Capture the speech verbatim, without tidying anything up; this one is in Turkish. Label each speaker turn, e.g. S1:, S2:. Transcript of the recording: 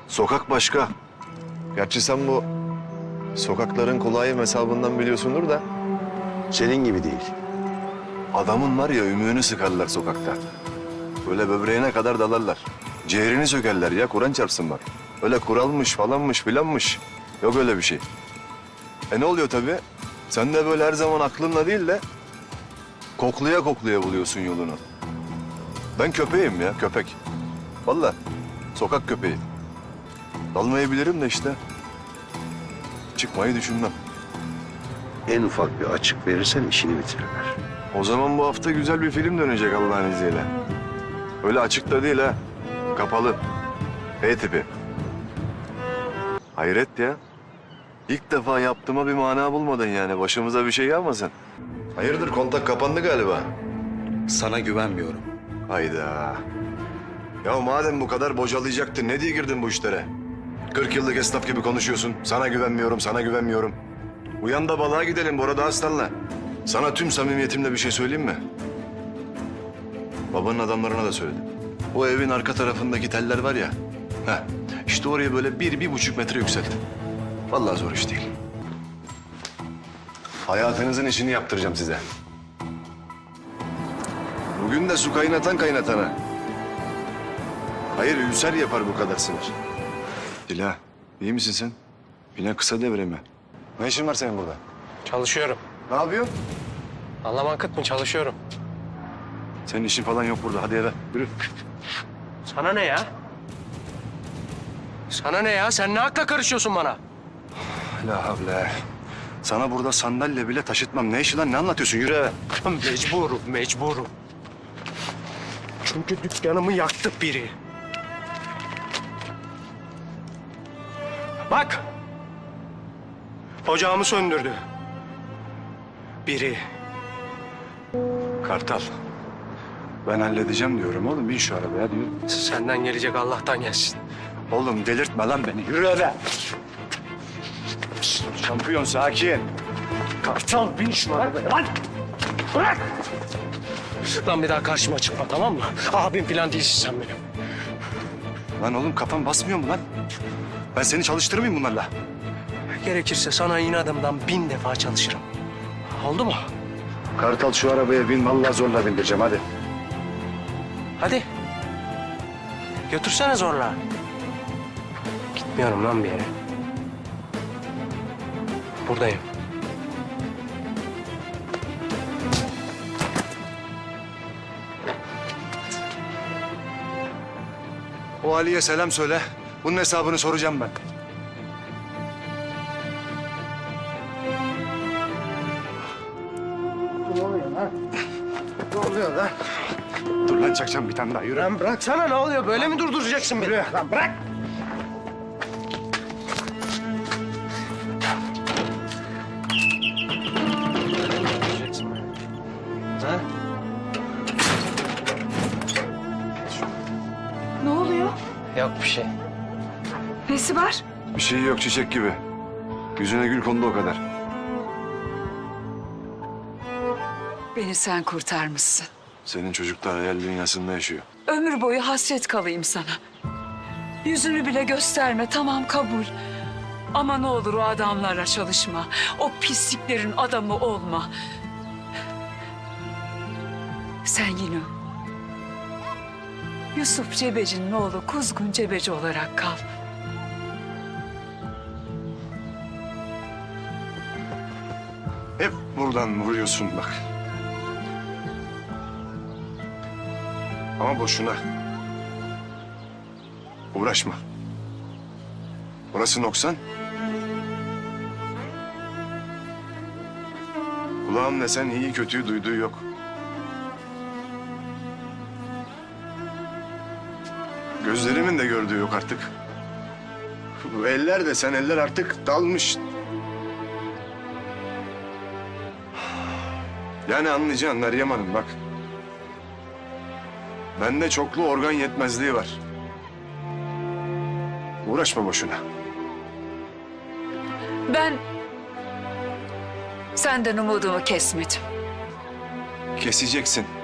S1: Sokak başka. Gerçi sen bu sokakların kolayı hesabından biliyorsundur da.
S2: Senin gibi değil.
S1: Adamın var ya ümüğünü sıkarlar sokakta. Böyle böbreğine kadar dalarlar. Ciğerini sökerler ya, Kur'an çarpsın bak. Öyle kuralmış falanmış filanmış. Yok öyle bir şey. E ne oluyor tabii? Sen de böyle her zaman aklınla değil de koklaya koklaya buluyorsun yolunu. Ben köpeğim ya, köpek. Vallahi sokak köpeği. Dalmayı bilirim de işte. Çıkmayı düşünmem.
S2: En ufak bir açık verirsen işini bitirirler.
S1: O zaman bu hafta güzel bir film dönecek Allah'ın izniyle. Öyle açıkta değil ha. Kapalı. E tipi. Hayret ya. İlk defa yaptığıma bir mana bulmadın yani. Başımıza bir şey gelmesin. Hayırdır, kontak kapandı galiba.
S3: Sana güvenmiyorum.
S1: Hayda. Ya madem bu kadar bocalayacaktın ne diye girdin bu işlere? Kırk yıllık esnaf gibi konuşuyorsun. Sana güvenmiyorum, sana güvenmiyorum. Uyan da balığa gidelim Bora Aslan'la. Sana tüm samimiyetimle bir şey söyleyeyim mi? Babanın adamlarına da söyledim. O evin arka tarafındaki teller var ya. Heh, işte oraya böyle bir, bir buçuk metre yükseltin. Vallahi zor iş değil. Hayatınızın işini yaptıracağım size. Bugün de su kaynatan kaynatana. Hayır, ülser yapar bu kadar sinir. Dila, iyi misin sen? Yine kısa devre mi? Ne işin var senin burada?
S4: Çalışıyorum.
S1: Ne yapıyorsun?
S4: Anlaman kıt mı? Çalışıyorum.
S1: Senin işin falan yok burada. Hadi eve. Yürü.
S4: Sana ne ya? Sana ne ya? Sen ne hakla karışıyorsun bana?
S1: La havle. Sana burada sandalye bile taşıtmam. Ne işi lan? Ne anlatıyorsun? Yürü eve.
S4: Mecburum, mecburum. Çünkü dükkanımı yaktı biri. Bak! Ocağımı söndürdü. Biri.
S1: Kartal. Ben halledeceğim diyorum oğlum. Bin şu arabaya diyorum.
S4: Senden gelecek Allah'tan gelsin.
S1: Oğlum delirtme lan beni. Yürü eve. Şampiyon sakin.
S4: Kartal bin şunu arabaya lan! Bırak! Lan bir daha karşıma çıkma, tamam mı? Abim falan değilsin sen benim.
S1: Lan oğlum kafan basmıyor mu lan? Ben seni çalıştırmayayım bunlarla.
S4: Gerekirse sana inadımdan bin defa çalışırım. Oldu mu?
S1: Kartal şu arabaya bin. Vallahi zorla bindireceğim hadi.
S4: Hadi. Götürsene zorla. Gitmiyorum lan bir yere. Buradayım.
S1: O Ali'ye selam söyle. Bunun hesabını soracağım ben.
S4: Ne oluyor lan? Ne oluyor lan?
S1: Dur lan çakacağım bir tane daha. Yürü.
S4: Lan bıraksana, ne oluyor? Böyle mi durduracaksın beni? Lan bırak! Durduracaksın beni. Ha?
S5: Ne oluyor?
S4: Yok bir şey.
S5: Nesi var?
S1: Bir şey yok, çiçek gibi. Yüzüne gül kondu o kadar.
S5: Beni sen kurtarmışsın.
S1: Senin çocuklar hayal dünyasında yaşıyor.
S5: Ömür boyu hasret kalayım sana. Yüzünü bile gösterme, tamam kabul. Ama ne olur o adamlarla çalışma. O pisliklerin adamı olma. Sen yine Yusuf Cebeci'nin oğlu Kuzgun Cebeci olarak kal.
S1: Hep buradan vuruyorsun bak. Ama boşuna. Uğraşma. Orası noksan. Kulağım desen iyi kötüyü duyduğu yok. Gözlerimin de gördüğü yok artık. Bu eller de sen eller artık dalmış. Yani anlayacaksın Meryem Hanım bak. Bende çoklu organ yetmezliği var. Uğraşma boşuna.
S5: Ben senden umudumu kesmedim.
S1: Keseceksin.